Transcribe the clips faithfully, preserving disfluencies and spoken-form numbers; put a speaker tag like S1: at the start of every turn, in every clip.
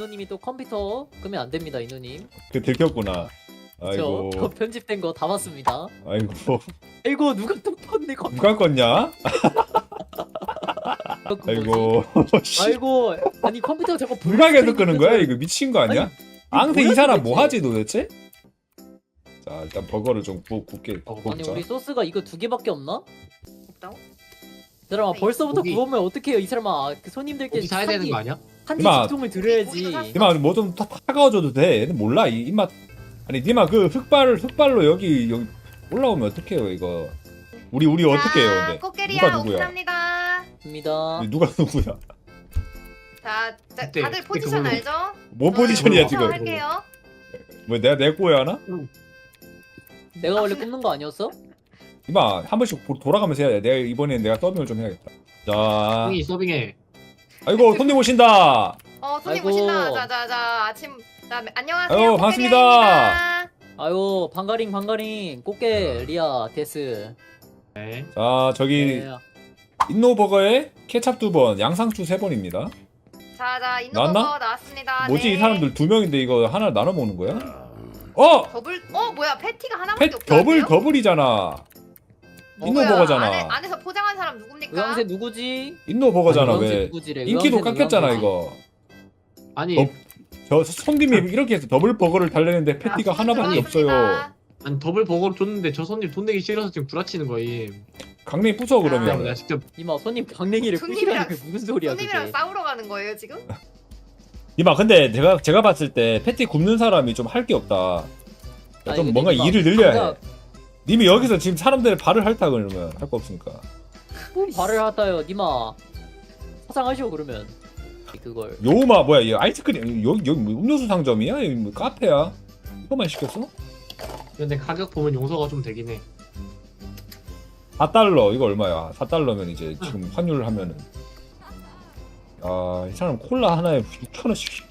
S1: 인노님이 또 컴퓨터 끄면 안 됩니다, 인노님.
S2: 그 들켰구나. 아이고.
S1: 저, 저 편집된 거 다 봤습니다.
S2: 아이고.
S1: 아이고 누가 또 켰네 컴퓨터.
S2: 누가 껐냐? 아이고.
S1: 아이고 아니 컴퓨터 저거
S2: 누가 계속 끄는 거야? 이거 미친 거 아니야? 앙세 이
S1: 뭐야,
S2: 사람
S1: 도대체?
S2: 뭐 하지 도대체? 자 일단 버거를 좀 구, 굽게
S1: 아니
S2: 굽자.
S1: 우리 소스가 이거 두 개밖에 없나?
S3: 없다고?
S1: 이 사람아
S3: 아니,
S1: 벌써부터
S4: 고기.
S1: 구우면 어떡해요 이 사람아. 그 손님들께
S4: 고기 사야 되는 거 아니야?
S1: 한지
S2: 이마.
S1: 직통을 드려야지.
S2: 니마 뭐좀 타가워줘도 돼. 얘는 몰라 이 입맛. 아니 니마 그 흑발 흑발로 여기 여기 올라오면 어떡해요 이거. 우리 우리 어떻게 해요 근데?
S3: 꽃게리야
S2: 누가 누구야?
S3: 오픈합니다.
S1: 입니다.
S2: 누가 누구야?
S3: 자, 자
S4: 그때,
S3: 다들
S4: 그때
S3: 포지션
S4: 그걸로.
S3: 알죠?
S2: 뭔 포지션이야
S3: 어,
S2: 지금?
S3: 할게요.
S2: 뭐 내가 내 꼬야 하나?
S1: 내가 원래 굽는 거 아니었어?
S2: 이마 한 번씩 보- 돌아가면서 해야 돼. 내가 이번엔 내가 서빙을 좀 해야겠다. 자,
S4: 형이 서빙해.
S2: 아이고 손님 오신다.
S3: 어 손님
S1: 아이고.
S3: 오신다. 자자자 아침 자 안녕하세요.
S2: 아유, 반갑습니다.
S1: 아유 방가링 방가링 꽃게 리아 데스.
S4: 네.
S2: 자 저기
S1: 네.
S2: 인노버거에 케찹 두 번, 양상추 세 번입니다.
S3: 자자
S2: 나왔나?
S3: 인노버거 나왔습니다.
S2: 뭐지
S3: 네.
S2: 이 사람들 두 명인데 이거 하나 나눠 먹는 거야? 어,
S3: 더블 어 뭐야 패티가 하나밖에
S2: 패,
S3: 없다는데요?
S2: 더블 더블이잖아.
S3: 어,
S2: 인노버거잖아.
S3: 뭐야, 안에, 안에서 포장한 사람 누굽니까?
S1: 의왕새 누구지?
S2: 인노버거잖아
S1: 의왕새
S2: 왜?
S1: 누구지래?
S2: 인기도
S1: 의왕새는
S2: 깎였잖아
S1: 의왕새지.
S2: 이거.
S4: 아니,
S2: 어? 저 손님이 이렇게 해서 더블 버거를 달래는데 패티가
S3: 자,
S2: 하나밖에 없어요.
S3: 들어왔습니다.
S4: 아니 더블 버거를 줬는데 저 손님 돈 내기 싫어서 지금 구라치는 거임.
S2: 강냉이 부숴
S4: 그냥
S2: 그러면.
S4: 내가 직접
S1: 이마 손님 강냉이를
S3: 손님이랑-
S1: 부시라는 게 무슨 소리야
S3: 손님이랑
S1: 그게?
S3: 싸우러 가는 거예요 지금?
S2: 이마 근데 제가 제가 봤을 때 패티 굽는 사람이 좀 할 게 없다.
S1: 아니,
S2: 좀
S1: 근데
S2: 뭔가
S1: 이마
S2: 일을 늘려야 해.
S1: 장작
S2: 님이 여기서 지금 사람들 발을 핥다 그러면 할 거 없으니까.
S1: 뭐 발을 하다요 니마 사장하시오 그러면 그걸.
S2: 요마 뭐야 이 아이스크림 여기 여기 뭐 음료수 상점이야? 여기 뭐 카페야? 이거만 시켰어?
S4: 근데 가격 보면 용서가 좀 되긴 해.
S2: 사 달러 이거 얼마야? 사 달러면 이제 지금 환율을 하면은 아 이 사람 콜라 하나에 육천 원씩.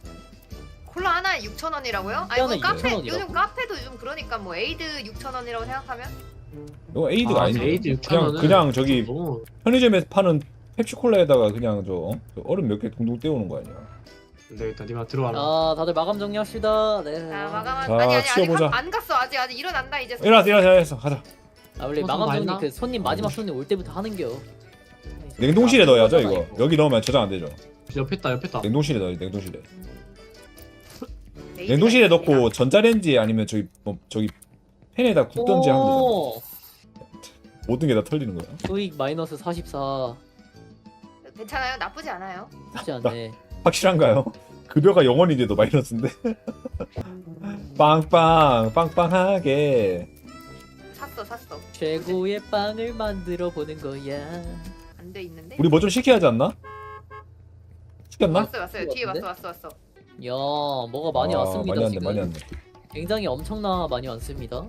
S3: 콜라 하나에 육천 원이라고요? 아니
S1: 하나에
S3: 뭐 카페
S1: 육천 원이라고?
S3: 요즘 카페도 요즘 그러니까 뭐 에이드 육천 원이라고 생각하면
S2: 이거 에이드가
S4: 아,
S2: 아, 닌데
S4: 에이드 육천
S2: 그냥
S4: 원은
S2: 그냥 저기
S4: 너무
S2: 편의점에서 파는 펩시콜라에다가 그냥 저, 어? 저 얼음 몇 개 둥둥 떼우는 거 아니야?
S4: 안 되겠다. 니마 들어와라.
S1: 아 다들 마감 정리합시다. 네.
S3: 자 마감한
S2: 자,
S3: 아니 아니 아직
S2: 치워보자.
S3: 가- 안 갔어 아직 아직 일어난다 이제
S2: 일어나서 일어나서 일어나서 가자.
S1: 아 원래
S4: 어,
S1: 마감
S4: 다
S1: 정리
S4: 했나?
S1: 그 손님 마지막 손님 올 때부터 하는겨.
S2: 냉동실에
S1: 아,
S2: 넣어야죠
S1: 그거잖아,
S2: 이거. 여기 넣으면 저장 안 되죠.
S4: 옆에 있다 옆에 있다.
S2: 냉동실에 넣어요 냉동실에.
S3: 에이드가
S2: 냉동실에
S3: 있습니다.
S2: 넣고 전자레인지 아니면 저기 뭐 저기 팬에다 굽던지 하면 되잖아.
S1: 오,
S2: 모든 게 다 털리는 거야.
S1: 수익 마이너스 사십사.
S3: 괜찮아요 나쁘지 않아요
S1: 쉽지 않네.
S2: 확실한가요? 급여가 영원인데도 마이너스인데? 빵빵 빵빵하게.
S3: 샀어 샀어
S1: 최고의 빵을 만들어 보는 거야.
S3: 안 돼 있는데
S2: 우리 뭐 좀 시켜야 하지 않나? 시켰나?
S3: 왔어요 왔어요 뒤에 왔어
S1: 같은데?
S3: 왔어 왔어
S1: 야 뭐가 많이
S2: 아,
S1: 왔습니다
S2: 많이 왔네
S1: 지금.
S2: 많이 왔네.
S1: 굉장히 엄청나 많이 왔습니다.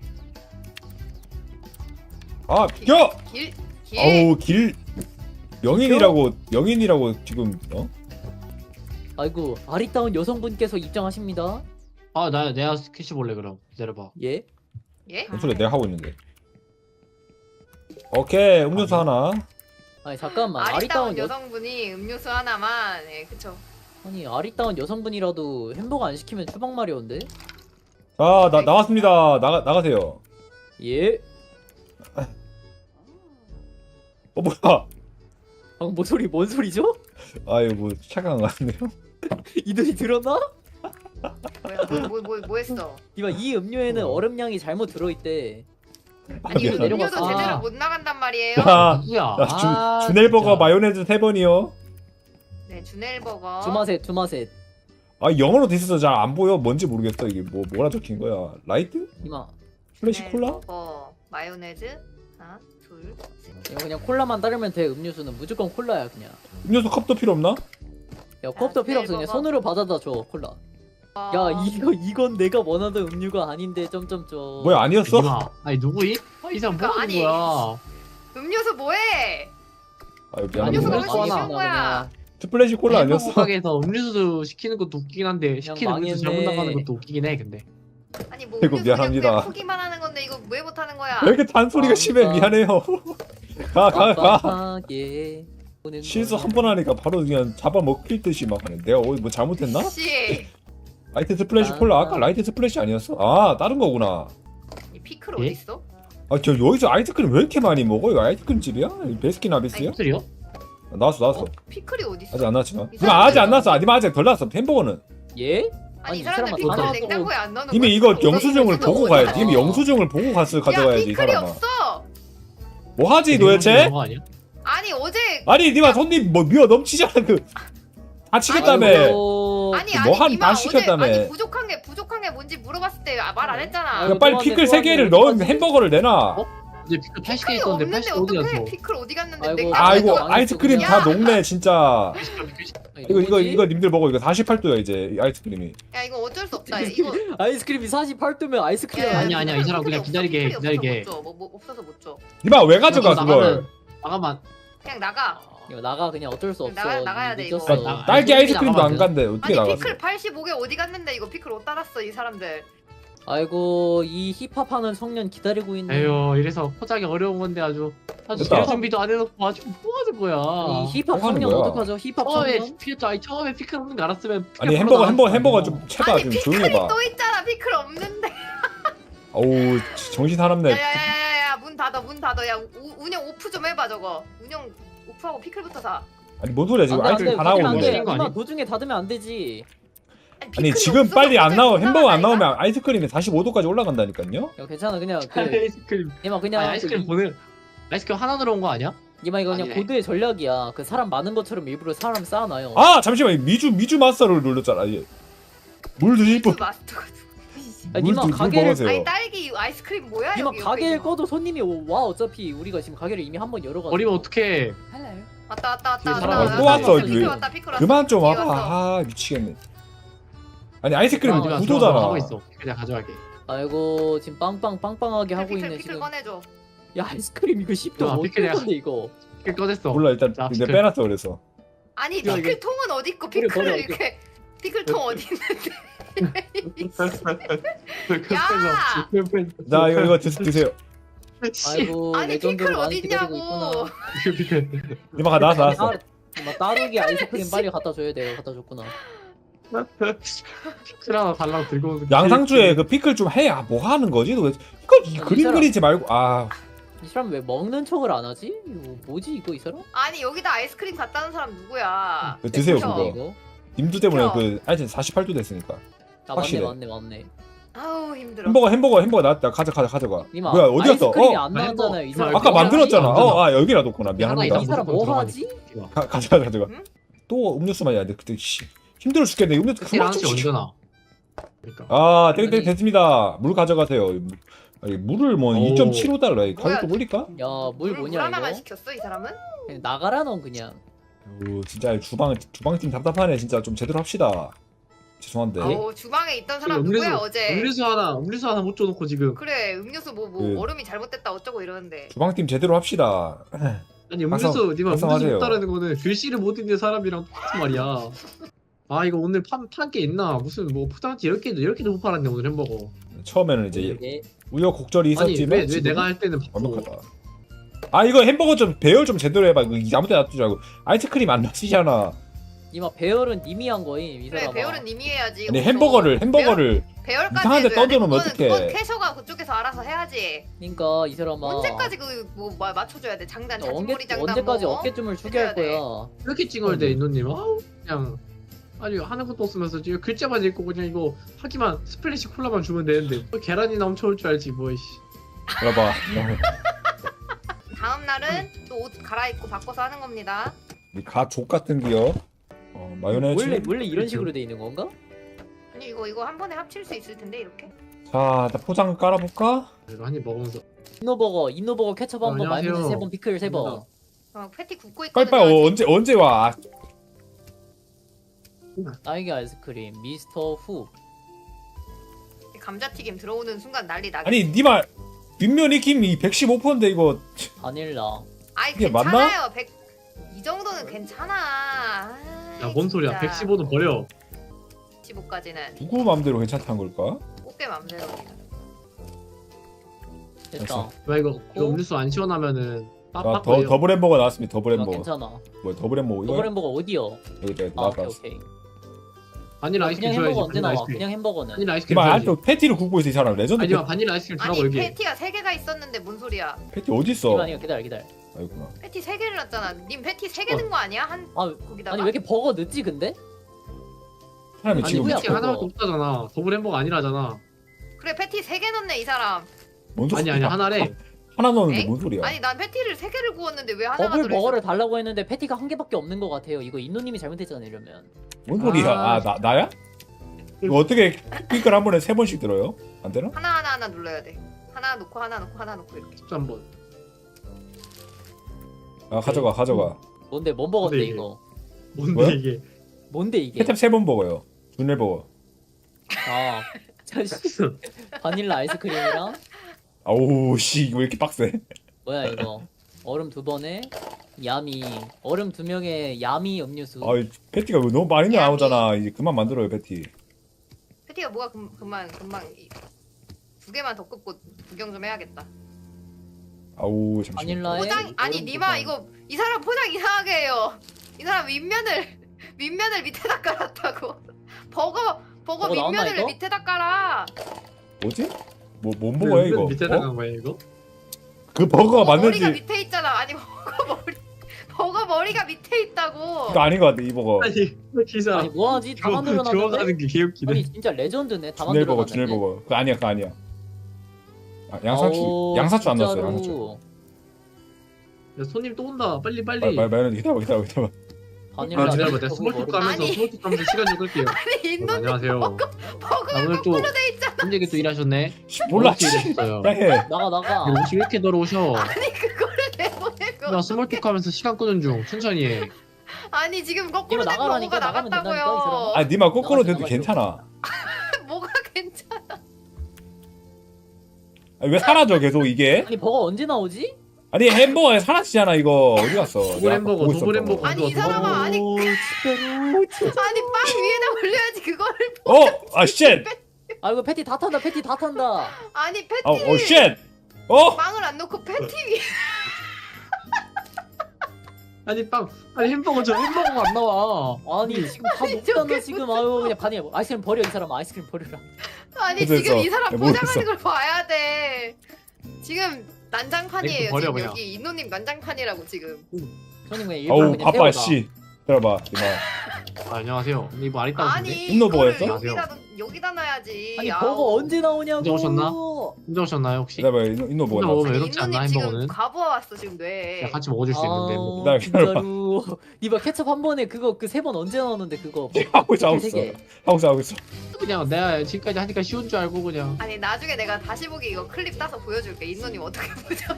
S2: 아 비켜!
S3: 길길
S2: 어우 길 명인이라고 명인이라고 지금 어?
S1: 아이고 아리따운 여성분께서 입장하십니다.
S4: 아, 나 내가 캐시 볼래 그럼. 기다려봐.
S1: 예?
S3: 예?
S2: 뭔 소리야 내가 하고 있는데. 오케이 음료수 하나.
S1: 아니 잠깐만
S3: 아리따운
S1: 아리따운 여
S3: 여성분이 음료수 하나만 예 그쵸
S1: 아니 아리따운 여성분이라도 햄버거 안 시키면 추방 마려운데?
S2: 자나 나왔습니다. 나가 나가세요.
S1: 예?
S2: 어 뭐야?
S1: 방금 뭐 소리 뭔 소리죠?
S2: 아유 뭐 착각한 거 같네요.
S1: 이들이 들었나?
S3: 뭐야 뭐 뭐 뭐 했어
S1: 이봐 이 음료에는
S2: 어.
S1: 얼음량이 잘못 들어있대.
S3: 아니 이거
S2: 미안하다.
S3: 음료도
S1: 내려갔어.
S3: 제대로
S1: 아.
S3: 못 나간단 말이에요
S2: 자,
S4: 누구야?
S2: 자, 주,
S4: 아,
S2: 주넬버거
S4: 진짜.
S2: 마요네즈 세 번이요.
S3: 네 주넬버거
S1: 두마셋 두마셋.
S2: 아 영어로 돼 있어서 잘 안 보여. 뭔지 모르겠어 이게 뭐 뭐라 적힌 거야. 라이트?
S1: 이마
S2: 플래시 콜라?
S3: 주넬버거 마요네즈 하나 둘셋
S1: 이거 그냥 콜라만 따르면 돼. 음료수는 무조건 콜라야 그냥.
S2: 음료수 컵도 필요 없나?
S1: 야 컵도 필요 없어 그냥 손으로 받아다 줘 콜라. 야 이거 이건 내가 원하던 음료가 아닌데 점점점.
S2: 뭐야 아니었어?
S4: 니마. 아니 누구이? 아, 이 사람 뭐
S3: 그러니까,
S4: 하는
S3: 아니.
S4: 거야?
S3: 음료수 뭐해
S2: 아유
S3: 음료수가
S2: 미안합니다.
S3: 훨씬 쉬운 거야
S2: 스플래시 콜라
S4: 햄버거
S2: 아니었어?
S4: 가게에서 음료수 시키는 것도 웃기긴 한데 시키는 음료수 잘못
S1: 망했네.
S4: 나가는 것도 웃기긴 해 근데.
S3: 아니 뭐
S2: 아이고,
S3: 음료수
S2: 미안합니다.
S3: 그냥 포기만 하는 건데 이거 왜 못하는 거야
S2: 왜 이렇게 단소리가
S1: 아,
S2: 심해?
S1: 그러니까.
S2: 미안해요. 가 가 가.
S1: 빡빡하게
S2: 실수 한 번 하니까 바로 그냥 잡아먹힐 듯이 막 하네. 내가 어디 뭐 잘못했나?
S3: 씨.
S2: 라이트 스플래시 콜라 아까 라이트 스플래시 아니었어? 아 다른 거구나.
S3: 이 피클
S4: 예?
S3: 어디 있어?
S2: 아 저 여기서 아이스크림 왜 이렇게 많이 먹어? 이거 아이스크림 집이야? 베스킨 라빈스야?
S4: 팬들이요?
S2: 아, 나왔어 나왔어.
S3: 피클이 어디 있어?
S2: 아직 안 나왔지만.
S3: 이
S2: 니마 아직 안
S3: 사람들
S2: 나왔어. 아, 니마 아직 덜 나왔어. 햄버거는
S1: 예?
S3: 아니
S1: 아니,
S3: 이
S1: 이
S3: 사람들
S1: 사람아,
S3: 피클을
S1: 더
S3: 냉장고에 안 넣는
S2: 이미
S3: 거야?
S2: 이거
S3: 어디
S2: 영수증을
S3: 있어?
S2: 보고
S3: 어디
S2: 가야지.
S3: 있어?
S2: 이미 영수증을 보고 갔어 가져가야지
S3: 야
S2: 이
S3: 피클이
S2: 사람아.
S3: 없어.
S2: 뭐 하지 도대체?
S4: 거 아니야?
S3: 아니 어제
S2: 아니 니마 손님 뭐 미어 넘치잖아 그. 다 시켰다며.
S1: 아이고,
S3: 아니
S2: 뭐
S3: 아니
S2: 한
S3: 니마
S2: 다
S3: 어제
S2: 시켰다며.
S3: 아니 부족한 게 부족한 게 뭔지 물어봤을 때 말 안 했잖아.
S1: 아이고,
S2: 그러니까 빨리
S1: 또한데,
S2: 피클 세
S1: 또한데,
S2: 개를
S1: 어디
S2: 넣은
S1: 갔지?
S2: 햄버거를 내놔.
S4: 어? 이제 피클 팔십 개
S3: 피클이
S4: 있었는데
S3: 없는데
S4: 팔십 개 어디
S3: 어떡해?
S4: 갔어?
S3: 피클 어디 갔는데
S1: 아이고,
S3: 냉장고에
S2: 아이고
S3: 넣어놨어.
S2: 아이스크림
S1: 야.
S2: 다 녹네 진짜. 이거 이거
S1: 뭐지?
S2: 이거 님들 먹어. 이거 사십팔 도야 이제 이 아이스크림이.
S3: 야 이거 어쩔 수 없다. 이거
S1: 아이스크림이 사십팔 도면 아이스크림
S3: 야, 야,
S4: 아니야, 아니야, 이 사람
S3: 피클이
S4: 그냥
S3: 없어,
S4: 기다리게 해,
S3: 피클이 없어서
S4: 기다리게 해.
S3: 못 줘. 뭐, 뭐 없어서 못 줘.
S2: 니마 왜 가져가 그걸?
S4: 나가만.
S3: 그냥 나가.
S1: 이거 나가 그냥 어쩔 수 없어.
S3: 나가- 나가야 돼, 이거.
S1: 늦었어.
S4: 나-
S2: 딸기
S4: 아니,
S2: 아이스크림도 안
S4: 나가면
S2: 간대. 어떻게
S3: 아니
S2: 나갔어?
S3: 피클 팔십오 개 어디 갔는데 이거 피클 못 따랐어 이 사람들.
S1: 아이고 이 힙합하는 청년 기다리고 있는.
S4: 에휴, 이래서 포장이 어려운 건데 아주 아주
S2: 됐다.
S4: 재료 준비도 안 해놓고 아주 뭐 하는 거야?
S1: 이 힙합
S2: 뭐 하는
S1: 청년
S2: 거야?
S1: 어떡하죠? 힙합
S4: 처음에
S1: 청년.
S4: 피클 아니 처음에 피클 없는 거 알았으면 피클
S2: 아니
S4: 바로
S2: 햄버거 햄버거
S4: 나왔을
S2: 햄버거
S4: 거
S2: 좀
S4: 아니야.
S2: 채봐
S3: 아니
S2: 좀
S3: 피클이
S2: 조용히 해봐.
S3: 또 있잖아. 피클 없는데.
S2: 어우 정신 사납네.
S3: 야야야야야 문 닫아 문 닫아. 야 우, 운영 오프 좀 해봐 저거. 운영 오프하고 피클부터 사.
S2: 아니 뭐 소리야 지금
S1: 안 돼, 안 돼,
S2: 아이스크림 다
S1: 닫으면 안
S2: 나오는데.
S1: 돼.
S4: 거 아니야?
S1: 이만 도중에 닫으면 안 되지.
S2: 아니
S3: 피클이
S2: 지금
S3: 없어서
S2: 빨리 안
S3: 갑자기
S2: 나오
S3: 못
S2: 햄버거 안
S3: 나간다니까?
S2: 나오면 아이스크림이 사십오 도까지 올라간다니까요?
S1: 야 괜찮아 그냥 그
S4: 아이스크림.
S1: 이만 그냥
S4: 아니, 아이스크림
S1: 그,
S4: 보내. 아이스크림 하나 들어온 거 아니야?
S1: 이만 이거 그냥
S4: 아니네.
S1: 고드의 전략이야. 그 사람 많은 것처럼 일부러 사람 쌓아놔요.
S2: 아 잠시만 미주 미주 마스터를 눌렀잖아. 얘. 물 드실 분.
S3: 그 마스터가 누구지?
S1: 아,
S2: 물,
S1: 니마
S2: 드- 물
S1: 가게를-
S2: 먹으세요.
S3: 아니 딸기 아이스크림 뭐야
S1: 이만
S3: 여기
S1: 가게를
S3: 옆에 있는 거.
S1: 꺼도 손님이 와. 어차피 우리가 지금 가게를 이미 한 번 열어가지고.
S4: 버리면 어떡해?
S3: 왔다 왔다 왔다
S1: 뒤에
S3: 왔다.
S1: 사람
S3: 왔다,
S2: 또
S3: 왔다.
S2: 왔어,
S3: 피클
S2: 뒤에.
S3: 왔다 피클 왔어.
S2: 그만 좀
S3: 뒤에
S2: 와봐.
S3: 왔어.
S2: 아 미치겠네. 아니 아이스크림
S1: 아,
S4: 하지마,
S2: 구도잖아.
S4: 하고 있어. 그냥 가져갈게.
S1: 아이고 지금 빵빵 빵빵하게 하고
S3: 피클
S1: 있네
S3: 피클
S1: 지금.
S3: 꺼내줘.
S1: 야 아이스크림 이거 십 도
S4: 야,
S1: 어떨
S4: 피클이야.
S1: 건데 이거.
S4: 피클 꺼냈어.
S2: 몰라 일단
S4: 자,
S2: 내가
S4: 피클.
S2: 빼놨어 그래서.
S3: 아니
S1: 이거,
S3: 피클
S1: 이거.
S3: 통은 어디 있고
S1: 버려,
S3: 피클을
S1: 버려,
S3: 이렇게 피클통 어디 있는데?
S2: 자 이거 이거 드, 드세요.
S1: 아이고
S3: 아니
S1: 레전드로
S3: 피클
S1: 많이
S3: 어디
S1: 기다리고
S3: 있냐고.
S1: 있구나.
S2: 이마가 나왔어 나왔어.
S1: 막 따르기 아이스크림 빨리 갖다 줘야 돼요. 갖다 줬구나.
S4: 피클 하나 달라고 들고 오는
S2: 양상추에 그 피클 좀 해. 아, 뭐 하는 거지? 너 왜 이거 이
S1: 아,
S2: 그림
S1: 이 사람-
S2: 그리지 말고 아
S1: 이 사람 왜 먹는 척을 안 하지? 이거 뭐지 이거 이 사람?
S3: 아니 여기다 아이스크림 갖다 놓은 사람 누구야?
S2: 그 드세요
S3: 그쵸?
S2: 그거.
S1: 이거?
S2: 님두 때문에
S3: 그쵸?
S2: 그 아이템 사십팔 도 됐으니까.
S1: 아
S2: 확실해.
S1: 맞네 맞네 맞네.
S3: 아우 힘들어.
S2: 햄버거 햄버거 햄버거 나왔다. 가져 가져 가져가.
S1: 이마
S2: 뭐야 어디 갔어?
S1: 아이스크림이
S2: 어
S1: 안 나왔잖아요. 이
S4: 아,
S1: 사람.
S2: 아까
S4: 뭐
S2: 만들었잖아.
S4: 하나
S2: 어 아 여기라 뒀구나.
S4: 하나
S2: 미안합니다.
S4: 있다.
S1: 이 사람 뭐 하지?
S2: 가, 가져가 가져가.
S3: 응?
S2: 또 음료수만 해야 돼. 그때 씨 힘들어 죽겠네. 음료수
S4: 피클
S2: 그만
S4: 하나씩
S2: 좀
S4: 언제
S2: 시켜.
S4: 나? 그러니까.
S2: 아 땡땡
S1: 아니.
S2: 됐습니다. 물 가져가세요. 아니, 물을 뭐
S4: 오.
S2: 이 점 칠오 달러.
S3: 뭐야?
S2: 가격도 올릴까?
S1: 야물
S3: 물, 물
S1: 뭐냐
S3: 하나만
S1: 이거?
S3: 시켰어 이 사람은?
S1: 그냥 나가라 넌 그냥.
S2: 오 진짜 주방 주방팀 답답하네. 진짜 좀 제대로 합시다. 죄송한데.
S3: 아우 주방에 있던 사람
S4: 음료수,
S3: 누구야 어제?
S4: 음료수 하나, 음료수 하나 못 줘놓고 지금.
S3: 그래 음료수 뭐 뭐
S2: 그-
S3: 얼음이 잘못됐다 어쩌고 이러는데.
S2: 주방팀 제대로 합시다.
S4: 아니 음료수,
S2: 항상-
S4: 니마 음료수
S2: 항상하세요.
S4: 못 따르는 거는 글씨를 못 읽는 사람이랑 똑같은 말이야. 아 이거 오늘 판판게 있나? 무슨 뭐 포장지 열 개도 열 개도 못 팔았네 오늘 햄버거.
S2: 처음에는 이제
S1: 이게
S2: 우여곡절이
S4: 아니
S2: 있었지만
S4: 왜, 왜
S2: 지금
S4: 내가 할 때는 바쁘고.
S2: 완벽하다. 아 이거 햄버거 좀 배열 좀 제대로 해봐. 이거 아무 데나 놔두지 말고 아이스크림 안 넣으시잖아.
S1: 이마 배열은 님이 한 거임 이
S3: 그래
S1: 사람아.
S3: 배열은 님이 해야지.
S2: 아니
S3: 어디서.
S2: 햄버거를 햄버거를
S3: 배열,
S2: 이상한
S3: 배열까지
S2: 데
S3: 해줘야 돼.
S2: 떠들어놓으면
S3: 그건-
S2: 어떡해.
S3: 그건 캐셔가 그쪽에서 알아서 해야지.
S1: 그러니까 이 사람아.
S3: 언제까지 그뭐 맞춰줘야 돼? 장단
S1: 언제
S3: 자진몰이 장단
S1: 언제까지
S3: 뭐.
S1: 어깨춤을 추게 할
S3: 해줘야 돼.
S1: 거야?
S4: 이렇게 찍어야 돼 인도님. 아우 그냥 아니 하는 것도 없으면서 지금 글자만 읽고 그냥 이거 하기만 스플래시 콜라만 주면 되는데 뭐 계란이 넘쳐올 줄 알지 뭐. 이씨.
S2: 알아봐.
S3: 다음 날은 또 옷 갈아입고 바꿔서 하는 겁니다.
S2: 가족 같은 기업. 어, 마요네즈.
S1: 원래 원래 이런
S4: 그렇죠.
S1: 식으로 돼 있는 건가?
S3: 아니 이거 이거 한 번에 합칠 수 있을 텐데 이렇게.
S2: 자, 일단 포장 깔아볼까?
S4: 이거 한입 먹으면서
S1: 이노버거 이노버거 케첩 한 번,
S4: 안녕하세요.
S1: 마요네즈 세 번, 피클 세 번.
S3: 어, 패티 굽고 있거든요.
S2: 빨리빨리 어,
S3: 아직.
S2: 언제 언제 와?
S1: 딸기 아이스크림 미스터 후.
S3: 감자튀김 들어오는 순간 난리 나게.
S2: 아니 니마 윗면 익힘이 백십오 퍼센트인데 이거
S1: 바닐라.
S3: 아이
S2: 이게
S3: 괜찮아요. 백... 이 정도는 괜찮아.
S4: 야 뭔 소리야 백십오는 버려.
S3: 백십오까지는
S2: 누구 맘대로 괜찮다는 걸까?
S3: 꽃게 맘대로.
S1: 됐다.
S2: 됐어.
S4: 왜 이거 이거
S1: 어?
S4: 음료수 안 시원하면은
S2: 아,
S4: 빡빡
S2: 더 더블 햄버거 나왔습니다. 더블
S1: 아,
S2: 햄버거.
S1: 괜찮아.
S2: 뭐 더블 햄버거 이거?
S1: 더블 햄버거 어디요?
S2: 여기 있다.
S1: 아 오케이
S2: 나왔다.
S1: 오케이.
S4: 바닐라 아이스크림
S1: 그냥 햄버거
S4: 줘야지.
S1: 언제
S4: 바닐라
S1: 나와?
S4: 아이스크림.
S1: 그냥 햄버거는.
S4: 바닐라 아이스크림
S2: 이마
S4: 줘야지.
S2: 아직도 패티를 굽고 있어 이 사람. 레전드
S4: 아니야
S2: 패티.
S4: 바닐라 아이스크림 주라고
S3: 아니
S4: 여기.
S3: 패티가 세 개가 있었는데 뭔 소리야?
S2: 패티 어디 있어?
S1: 이만 이거 기다려 기다려.
S2: 아이구나.
S3: 패티 세 개를 놨잖아. 님 패티 세 개
S4: 어.
S3: 든 거 아니야? 한
S1: 아
S3: 거기다가.
S1: 아니 왜 이렇게 버거 늦지 근데?
S2: 사람이
S4: 아니
S2: 지금
S1: 뭐야,
S4: 패티
S1: 그거.
S4: 하나밖에 없다잖아. 더블 햄버거 아니라잖아.
S3: 그래 패티 세 개 넣네 이 사람.
S2: 뭔 소리야?
S4: 아니 아니 하나래.
S2: 하나 넣었는데
S3: 엥?
S2: 뭔 소리야?
S3: 아니 난 패티를 세 개를 구웠는데 왜 하나가
S1: 더블
S3: 들어있어?
S1: 버거를 달라고 했는데 패티가 한 개밖에 없는 것 같아요. 이거 인노님이 잘못했잖아요 이러면.
S2: 뭔 소리야?
S4: 아.
S2: 아, 나 나야? 이거 어떻게 퀵을 한 번에 세 번씩 들어요? 안 되나?
S3: 하나 하나 하나 눌러야 돼. 하나 놓고 하나 놓고 하나 놓고 이렇게.
S4: 진짜 한번.
S2: 아 가져가 가져가.
S1: 뭔데 뭔 버거인데
S4: 근데 이게-
S1: 이거?
S4: 뭔데
S2: 뭐야?
S4: 이게?
S1: 뭔데 이게?
S2: 케첩 세 번 먹어요. 준일 버거.
S1: 아 자식 바닐라 아이스크림이랑
S2: 아우 씨 이거 왜 이렇게 빡세?
S1: 뭐야 이거? 얼음 두 번에 야미 얼음 두 명에 야미 음료수.
S2: 아 패티가 왜 너무 많이 나오잖아. 이제 그만 만들어요 패티.
S3: 패티가 뭐가 금, 금방 금방 이- 두 개만 더 끄고 구경 좀 해야겠다.
S2: 아우 잠시만.
S1: 바닐라에
S3: 포장 아니
S1: 얼음 두
S3: 니마
S1: 번.
S3: 이거 이 사람 포장 이상하게 해요. 이 사람 윗면을 윗면을 밑에다 깔았다고. 버거 버거
S1: 버거 나왔나,
S3: 윗면을
S1: 이거?
S3: 밑에다 깔아.
S2: 뭐지? 뭐뭔 버거야 이거?
S4: 밑에다
S2: 어?
S4: 간 거야 이거?
S2: 그 버거가
S3: 버거 머리가
S2: 맞는지
S3: 밑에 있잖아. 아니 버거 머리 버거 머리가 밑에 있다고.
S2: 그거 아닌 것 같아 이 버거.
S4: 아니 기사.
S1: 아니 뭐하지? 다
S4: 주워
S1: 만들어놨는데?
S4: 주워가는 게 개웃기네.
S1: 아니 진짜 레전드네. 다
S2: 준일 버거
S1: 만들어놨네.
S2: 준일 버거. 그거 아니야 그거 아니야. 아, 양상추
S1: 아우,
S2: 양상추 안
S1: 진짜로.
S2: 넣었어요 양상추.
S4: 야 손님 또 온다. 빨리 빨리.
S2: 말 말 말해 기다려 기다려 기다려.
S1: 바닐라
S4: 아 기다려봐. 내가
S1: 버거
S4: 스몰톡
S1: 얼음-
S4: 가면서
S3: 아니.
S4: 스몰톡 가면서 시간 좀 끌게요.
S3: 아니
S4: 어,
S3: 인도님
S4: 안녕하세요.
S3: 버거가
S4: 아, 오늘 또
S3: 거꾸로 돼 있잖아.
S4: 힘들게 또 일하셨네.
S2: 몰라.
S4: 어떻게 일하셨어요?
S2: 해.
S1: 나가 나가.
S4: 옷이 왜 이렇게 더러우셔?
S3: 아니 그거를 내보내고.
S4: 나 스몰톡 하면서 시간 끄는 중. 천천히 해.
S3: 아니 지금 거꾸로
S1: 이거
S3: 된
S1: 나가라니까,
S3: 버거가
S1: 나가면 된다니까, 이
S3: 나갔다고요.
S2: 아 니마 거꾸로
S1: 나가지,
S2: 돼도
S1: 나가지.
S2: 괜찮아.
S3: 뭐가 괜찮아?
S2: 아니, 왜 사라져 계속 이게?
S1: 아니 버거 언제 나오지?
S2: 아니 햄버거에 사라지잖아 이거 어디 갔어?
S4: 도블
S2: 내가
S4: 햄버거,
S2: 보고
S4: 도블
S2: 있었던
S4: 햄버거.
S2: 거.
S3: 아니 이 사람아 아니
S1: 오, 진짜로 진짜.
S3: 아니 빵 위에다 올려야지 그거를.
S2: 어? 아 쉣!
S1: 아 이거 패티 다 탄다. 패티 다 탄다.
S3: 아니 패티
S2: 어, 어 쉣! 어?
S3: 빵을 안 넣고 패티 위에.
S4: 아니 빵. 아니 햄버거 저 햄버거가 안 나와.
S1: 아니 지금 다
S3: 아니,
S1: 녹잖아
S3: 저게
S1: 지금. 아유 그냥 반이 아이스크림 버려 이 사람. 아이스크림 버려라.
S3: 아니
S2: 됐어,
S3: 지금 이
S2: 됐어.
S3: 사람
S2: 야,
S3: 포장하는
S2: 모르겠어.
S3: 걸 봐야 돼. 지금 난장판이에요.
S4: 넥스 버려,
S3: 지금
S4: 그냥.
S3: 여기 인노님 난장판이라고 지금.
S1: 저는 그냥 일부러
S2: 아우
S1: 그냥
S2: 바빠
S1: 태워놔.
S2: 씨. 들어봐 이마.
S4: 아, 안녕하세요. 근데 이거 안 있다고 하는데.
S3: 아니
S2: 인노
S3: 이거를
S2: 버거였어?
S3: 여기다 놓- 여기다 놔야지.
S1: 아니
S3: 아우.
S1: 버거 언제 나오냐고.
S4: 언제 오셨나? 혼자 오셨나요 혹시?
S2: 기다려봐 인노 인노 뭐가
S4: 인노
S2: 나왔어?
S4: 먹으면
S3: 아니,
S4: 외롭지 않나
S3: 인노님 지금
S4: 햄버거는?
S3: 과부하 왔어 지금 뇌.
S4: 야, 같이 먹어줄 수 있는데. 뭐.
S2: 기다려,
S1: 아
S2: 기다려봐.
S1: 진짜로. 이봐 케첩 한 번에 그거 그 세 번 언제 나오는데 그거.
S2: 하고 있어 하고
S1: 세
S2: 있어.
S1: 개.
S2: 하고 있어 하고 있어.
S4: 그냥 내가 지금까지 하니까 쉬운 줄 알고 그냥.
S3: 아니 나중에 내가 다시 보기 이거 클립 따서 보여줄게. 인노님 어떻게 보자.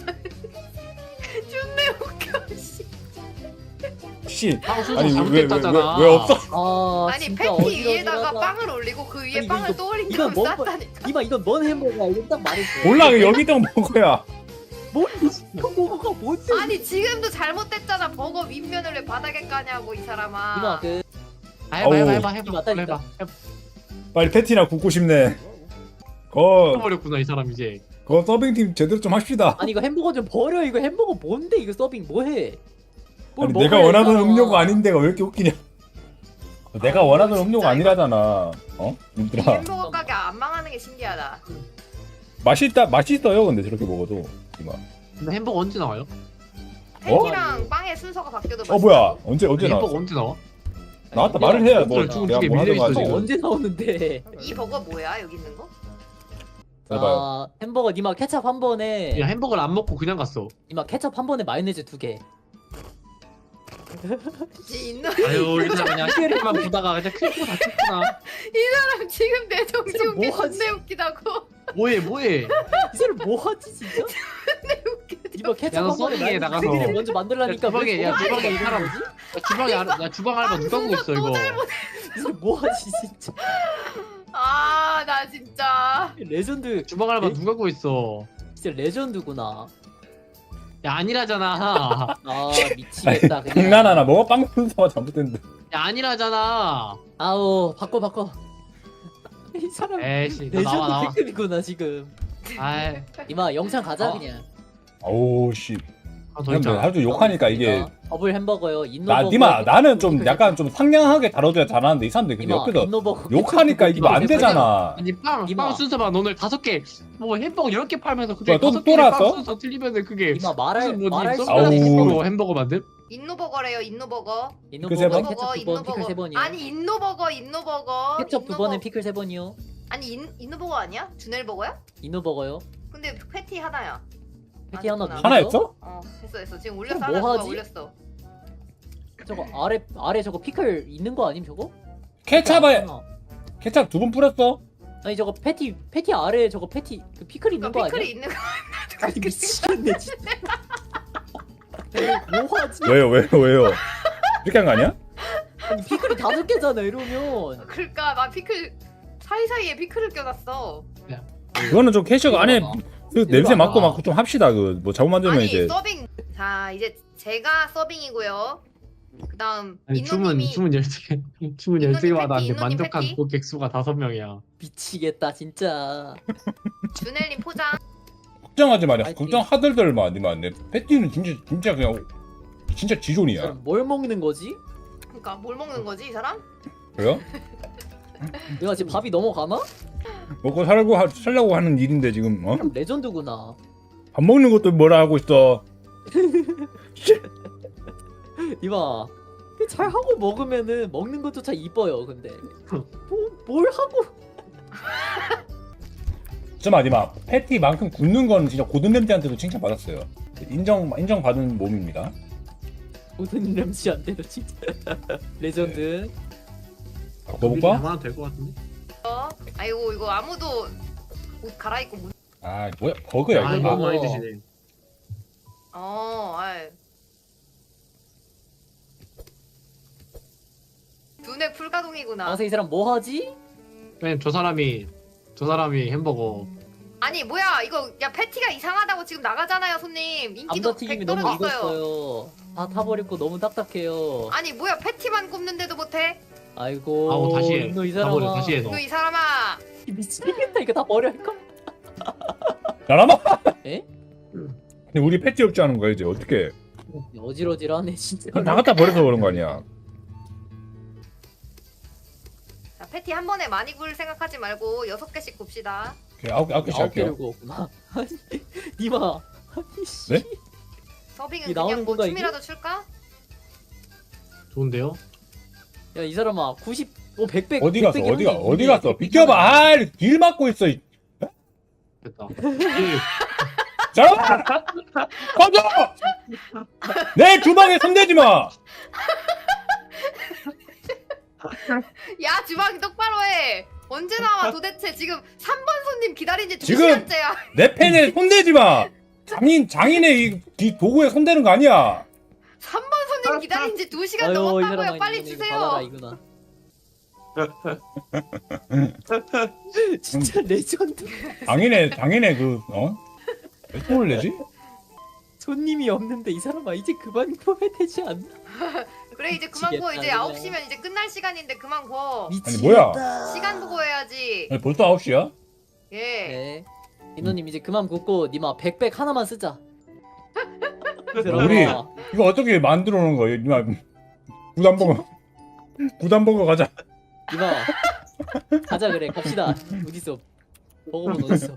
S3: 존내 웃겨. 씨.
S2: 씨.
S4: 빵 순서
S2: 아니 왜 왜 왜
S4: 잘못됐다잖아.
S2: 왜 없어?
S1: 아
S3: 아니
S1: 진짜
S3: 패티
S1: 어지러지하다.
S3: 위에다가 빵을 올리고 그 위에
S1: 아니, 이거-
S3: 빵을 또 올린
S1: 이거
S3: 다음
S1: 뭐-
S3: 쌌다니까.
S1: 이봐 이건 뭔 햄버거야 이거 딱 말했어.
S2: 몰라 그 여기 있던 먹어야.
S1: 뭔 햄버거가 뭔데?
S3: 아니 지금도 잘못됐잖아. 버거 윗면을 왜 바닥에 까냐고 이 사람아.
S1: 이봐 그
S4: 아, 해봐 해봐
S2: 어우.
S4: 해봐 해봐
S1: 맞다니까.
S4: 해봐. 해봐.
S2: 빨리 패티나 굽고 싶네. 거,
S4: 버렸구나 이 사람 이제.
S2: 거 서빙팀 제대로 좀 합시다.
S1: 아니 이거 햄버거 좀 버려. 이거 햄버거 뭔데 이거 서빙 뭐해? 뭘
S2: 아니
S1: 먹어야
S2: 내가 원하던
S1: 되잖아.
S2: 음료가 아닌데가 왜 이렇게 웃기냐? 내가 원하던 음료가 아니라잖아. 어?
S3: 이
S2: 님들아
S3: 햄버거 가게 안 망하는 게 신기하다.
S2: 맛있다 맛있어요 근데 저렇게 먹어도 이마.
S4: 근데 햄버거 언제 나와요?
S3: 패티랑 빵의 순서가 바뀌어도
S2: 어 뭐야 언제 언제
S4: 햄버거
S2: 나왔어?
S4: 언제 나와?
S2: 나왔다
S1: 아니,
S2: 말을 해야 뭐
S4: 햄버거
S2: 내가
S4: 두개
S2: 뭐
S4: 밀려
S2: 하던 거
S4: 있어,
S2: 지금.
S4: 지금.
S1: 언제 나오는데?
S3: 이 버거 뭐야 여기 있는 거?
S2: 해봐요.
S1: 아 햄버거 니마 케첩 한 번에
S4: 야 햄버거를 안 먹고 그냥 갔어.
S1: 니마 케첩 한 번에 마요네즈 두 개.
S3: 이 인노
S4: 아유 이 사람 그냥 시계만 보다가 그냥 크고 다쳤구나.
S3: 사람 지금 내 정지
S1: 지금
S3: 웃기
S1: 뭐 하지?
S3: 존내 웃기다고.
S4: 뭐해 뭐해.
S1: 이 사람 뭐 하지 진짜? 니마 케첩
S4: 야, 너
S1: 한 번에
S4: 서빙에
S1: 마요네즈
S4: 나가서.
S1: 두 개를 먼저 만들라니까
S4: 야, 주방에,
S1: 왜
S4: 야,
S1: 저거
S4: 주방에 이
S1: 하는
S4: 사람.
S1: 거지?
S4: 야, 주방에 알- 야 주방 알바 누가 하고 있어 이거.
S1: 이 사람 뭐 하지 진짜?
S3: 아 나 진짜.
S1: 레전드
S4: 주방 알바 누가 하고 있어.
S1: 진짜 레전드구나.
S4: 야 아니라잖아.
S1: 아 미치겠다 그냥.
S2: 장난하나 뭐가 빵 순서가 잘못됐는데.
S4: 야 아니라잖아.
S1: 아우 바꿔 바꿔. 이 사람
S4: 에이씨 너 나와 나와.
S1: 레전드 B급이구나 지금.
S4: 아이
S1: 이마 영상 가자
S4: 어?
S1: 그냥.
S2: 아우 씨.
S4: 아, 더
S2: 근데
S4: 있잖아.
S2: 하도 욕하니까 이게
S1: 더블 햄버거요. 인노
S2: 나
S1: 버거.
S2: 니마 나는 좀 약간 좀 상냥하게 다뤄줘야 잘하는데 이 사람들 근데 옆에서
S1: 인노 버거.
S2: 욕하니까 이거 안 되잖아.
S4: 아니 빵,
S1: 이마.
S4: 빵 순서만 오늘 다섯 개, 뭐 햄버거 열 개 팔면서
S2: 뭐야,
S4: 그중에
S2: 또-
S4: 다섯
S2: 또
S4: 개빵
S2: 나왔어?
S4: 순서 틀리면은 그게
S1: 이마 말할
S4: 무슨
S1: 말할
S4: 뭐지?
S1: 수가
S2: 아우.
S4: 서비스로 햄버거 만듦?
S3: 인노버거래요 인노버거.
S1: 인노
S2: 피클 세
S1: 버거
S2: 번?
S1: 케첩 두 번, 피클 세 번이요.
S3: 아니 인노버거 인노버거.
S1: 케첩 두
S3: 인노버-
S1: 번에 피클 세 번이요.
S3: 아니 인 인노버거 아니야? 주넬버거야?
S1: 인노 버거요.
S3: 근데 패티 하나야.
S1: 패티 하나
S3: 아니구나.
S1: 누구죠?
S2: 하나였어?
S3: 어 됐어 됐어 지금 올렸어
S1: 그럼
S3: 하나
S1: 뭐
S3: 누가
S1: 하지?
S3: 올렸어.
S1: 저거 아래 아래 저거 피클 있는 거 아님 저거?
S2: 케찹에
S1: 아니구나.
S2: 케찹 두 번 뿌렸어?
S1: 아니 저거 패티 패티 아래 저거 패티 그 피클 있는 거
S3: 그러니까
S1: 아니야?
S3: 피클이 있는 거.
S1: 아니 미치겠네 진짜. 뭐하지?
S2: 왜요 왜요 왜요? 이렇게 한 거 아니야?
S1: 아니 피클이 다섯 개잖아 이러면.
S3: 그러니까 나 피클 사이사이에 피클을 껴놨어.
S2: 그거는 좀 캐셔가 안에 그 냄새
S1: 이거
S2: 맡고
S1: 봐봐.
S2: 맡고 좀 합시다. 그 뭐 잘못 만들면
S3: 아니
S2: 이제
S3: 서빙. 자 이제 제가 서빙이고요. 그다음
S4: 아니 주문
S3: 인노님이
S4: 주문 열두 개, 주문
S3: 인노님
S4: 열두 개 받았는데
S3: 패티, 인노님
S4: 만족한
S3: 패티?
S4: 고객 수가 다섯 명이야.
S1: 미치겠다 진짜.
S3: 주넬님 포장.
S2: 걱정하지 마라.
S1: 아니,
S2: 걱정하들들 마. 니만 내 패티는 진짜 진짜 그냥 진짜
S1: 이
S2: 지존이야.
S1: 사람 뭘 먹는 거지?
S3: 그러니까 뭘 먹는 거지 이 사람?
S2: 그래요?
S1: 내가 지금 밥이 넘어가나?
S2: 먹고 살고 하, 살려고 하는 일인데 지금 어?
S1: 사람 레전드구나.
S2: 밥 먹는 것도 뭐라 하고 있어.
S1: 이봐. 잘 하고 먹으면은 먹는 것조차 이뻐요. 근데 뭐, 뭘 하고
S2: 잠깐만 니마 패티만큼 굽는 거는 진짜 고든램지한테도 칭찬받았어요. 인정 인정 받은 몸입니다.
S1: 모든 램시한테도 진짜 레전드.
S2: 먹어볼까?
S4: 얼마나 될것 같은데?
S3: 어? 아이고 이거 아무도 옷 갈아입고 못.
S2: 아 뭐야 버그야
S4: 아
S2: 이거.
S4: 이거
S1: 아.
S4: 많이 드시네.
S3: 어, 아이. 두뇌 풀가동이구나.
S1: 아서 이 사람 뭐 하지?
S4: 왜냐면 저 사람이 저 사람이 햄버거
S3: 아니 뭐야 이거 야 패티가 이상하다고 지금 나가잖아요 손님. 인기도
S1: 감자튀김이
S3: 백
S1: 너무
S3: 떨어졌어요.
S1: 익었어요. 다 타버렸고 너무 딱딱해요.
S3: 아니 뭐야 패티만 굽는데도 못해?
S1: 아이고.
S4: 아우 다시 해.
S1: 너이
S4: 다 버려
S1: 사람아.
S4: 다시 해 너.
S3: 너 이 사람아.
S1: 미치겠다. 이거 다 버려 할까?
S2: 나라마.
S1: 에?
S2: 근데 우리 패티 없지 않은 거야 이제 어떻게?
S1: 어지러지러하네 진짜.
S2: 그럼 나갔다 버려서 그런 거 아니야?
S3: 자 패티 한 번에 많이 굴 생각하지 말고 여섯 개씩 굽시다.
S2: 오케이, 아홉 개 아홉 개씩
S1: 아홉 개를
S2: 할게요.
S1: 구웠구나. 아니 니마. 아니 씨.
S2: 네?
S3: 서빙은
S1: 이 나오는
S3: 그냥 뭐
S1: 건가, 이게?
S3: 춤이라도 출까?
S4: 좋은데요?
S1: 야 이 사람아 구십 오 백백
S2: 어디 갔어?
S1: 백백이
S2: 어디가
S1: 한개
S2: 어디
S1: 있는데
S2: 갔어? 비켜봐. 아길 막고 있어. 이-
S4: 됐다.
S2: 자, 꺼져! 내 주방에 손대지 마.
S3: 야 주방이 똑바로 해. 언제 나와 도대체 지금 삼 번 손님 기다린 지 두
S2: 지금-
S3: 시간째야.
S2: 내 펜에 손대지 마. 장인 장인의 이, 이 도구에 손대는 거 아니야.
S3: 삼 번 손님 기다린 지 두 시간
S1: 아유, 이
S3: 넘었다고요.
S1: 사람아,
S3: 빨리
S1: 이거는
S3: 주세요.
S1: 이거 이구나. 진짜 레전드.
S2: 장인의 장인의 그 어? 왜 손을 내지?
S1: 손님이 없는데 이 사람아 이제 그만 구워야 되지 않나?
S3: 그래 이제 그만 구워. 이제
S1: 미치겠다,
S3: 아홉 시면 이제 끝날 시간인데 그만 구워.
S1: 미치겠다.
S2: 뭐야?
S3: 시간 보고 해야지.
S2: 아니, 벌써 아홉 시야?
S3: 예.
S1: 네. 인호님 이제 그만 굽고 니마 백백 하나만 쓰자.
S2: 우리 이거 어떻게 만들어 놓은 거예요? 이마 부담버거 부담버거 가자.
S1: 니마 가자 그래 갑시다. 어딨어? 먹어본 어딨어?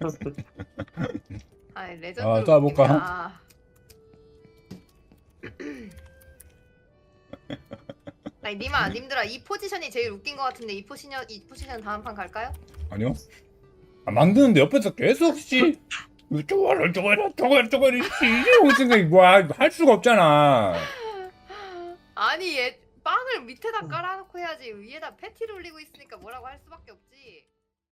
S3: 아 레전드.
S2: 아, 또 해볼까?
S3: 웃긴다. 아니 님아 님들아 이 포지션이 제일 웃긴 것 같은데 이 포지션 이 포지션 다음 판 갈까요?
S2: 아니요. 아, 만드는데 옆에서 계속 씨 저거를 저거를 저거를 저거를 씨 이런 생각이 뭐할 수가 없잖아.
S3: 아니 얘 빵을 밑에다 깔아놓고 해야지 위에다 패티를 올리고 있으니까 뭐라고 할 수밖에 없지.